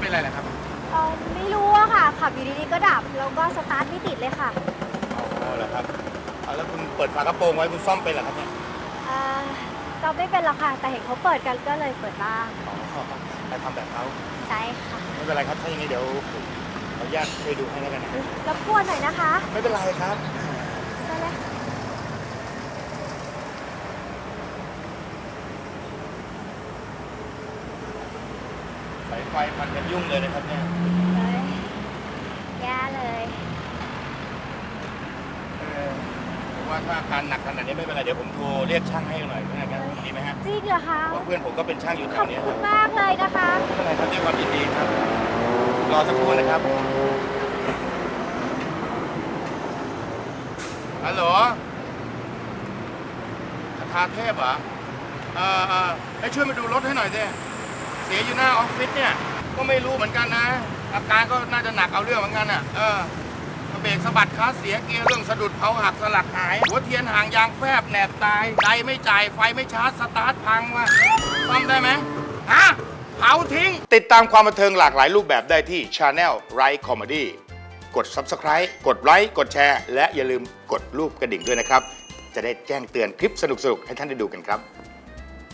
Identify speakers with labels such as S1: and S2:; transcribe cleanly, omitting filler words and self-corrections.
S1: เป็นไรเหรอครับ
S2: ไม่รู้อะค่ะขับอยู่ดีๆก็ดับแล้วก็สตาร์ทไม่ติดเลยค่ะ
S1: อ๋อเหรอครับแล้วคุณเปิดฝากระโปรงไว้คุณซ่อมเป็นเหรอครับเนี่ย
S2: เราไม่เป็นหรอกค่ะแต่เห็นเขาเปิดกันก็เลยเปิดบ้าง
S1: อ๋อไปทำแบบเขา
S2: ใช่ค่ะ
S1: ไม่เป็นไรครับถ้าอย่างนี้เดี๋ยวผมขออนุญาตช่วยดูให้แล้วกันนะ
S2: รบกวนหน่อยนะคะ
S1: ไม่เป็นไรครับ
S2: ใช่เลย
S1: สายไฟพันกันยุ่งเลยนะครับเนี่ย
S2: แย่เลย
S1: ผมว่าถ้าอาการหนักขนาดนี้ไม่เป็นไรเดี๋ยวผมโทรเรียกช่างให้หน่อยนะครับดีไหมฮะ
S2: จริงเหรอคะ
S1: เพราะเพื่อนผมก็เป็นช่างอยู่แถวนี้
S2: ขอบคุณมากเลยนะคะ
S1: ไม่เป็นไรครับด้วยความยินดีครับรอสักครู่นะครับฮัลโหลคทาเทพเหรอให้ช่วยมาดูรถให้หน่อยสิเสียอยู่หน้าออฟฟิศเนี่ยก็ไม่รู้เหมือนกันนะอาการก็น่าจะหนักเอาเรื่องเหมือนกันอ่ะเบรกสะบัดคลัตช์เสียเกียร์เรื่องสะดุดเผาหักสลักหายหัวเทียนห่างยางแฟบแหนบตายใจไม่จ่ายไฟไม่ชาร์จสตาร์ทพังว่ะซ่อมได้ไหมฮะเผาทิ้งติดตามความบันเทิงหลากหลายรูปแบบได้ที่ Channel Right Comedy กด Subscribe กดไลค์กดแชร์และอย่าลืมกดรูปกระดิ่งด้วยนะครับจะได้แจ้งเตือนคลิปสนุกๆให้ท่านได้ดูกันครับ